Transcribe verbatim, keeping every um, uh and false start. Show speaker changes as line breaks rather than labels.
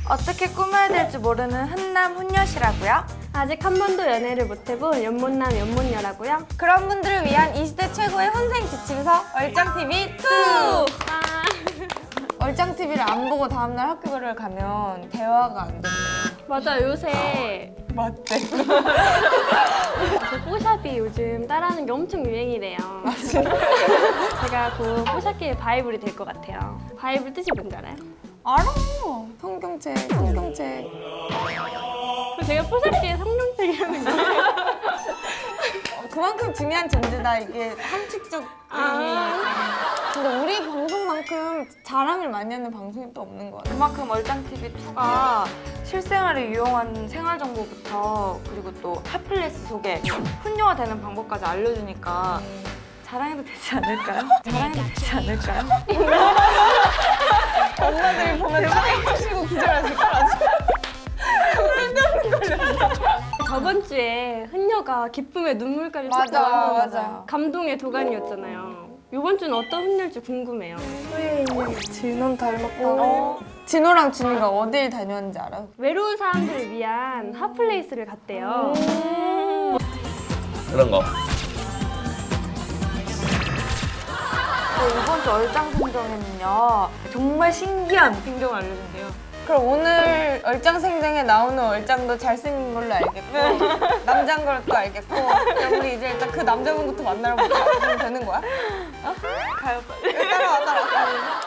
어떻게 꾸며야 될지 모르는 훈남 훈녀시라고요?
아직 한 번도 연애를 못해본 연못남 연못녀라고요?
그런 분들을 위한 이 시대 최고의 혼생 지침서 얼짱티비 투! 얼짱티비를 안 보고 다음날 학교를 가면 대화가 안 된대요.
맞아, 요새
맞대.
그 뽀샵이 요즘 따라하는 게 엄청 유행이래요. 제가 곧 뽀샵계의 바이블이 될 것 같아요. 바이블 뜻이 뭔지 알아요?
알아. 성경책, 성경책.
제가 뽀샵계의 성룡책이라는 거예요.
어, 그만큼 중요한 존재다. 이게 함축적.
아.
근데 우리 방송만큼 자랑을 많이 하는 방송이 또 없는 것 같아요. 그만큼 얼짱티비 투가 실생활에 유용한 생활 정보부터 그리고 또 핫플레스 소개, 훈녀가 되는 방법까지 알려주니까 자랑해도 되지 않을까요? 자랑해도 되지 않을까요? 엄마들이 보면 짱해주시고 기절하실 거라.
저번 주에 훈녀가 기쁨의 눈물까지
맞아,
쏟아가는
맞아.
감동의 도가니였잖아요. 이번 주는 어떤 훈녀일지 궁금해요.
진원 닮았다고. 어. 진호랑 준이가 어딜 다녔는지 알아?
외로운 사람들을 위한 핫플레이스를 갔대요.
그런 거.
네, 이번 주 얼짱 생정에는요 정말 신기한 생정을 알려준대요. 그럼 오늘 얼짱 생정에 나오는 얼짱도 잘생긴 걸로 알겠고 남자인 걸로 또 알겠고 그럼 우리 이제 일단 그 남자분부터 만나러 가면 되는 거야? 어? 가요 빨리. 따라와 따라와.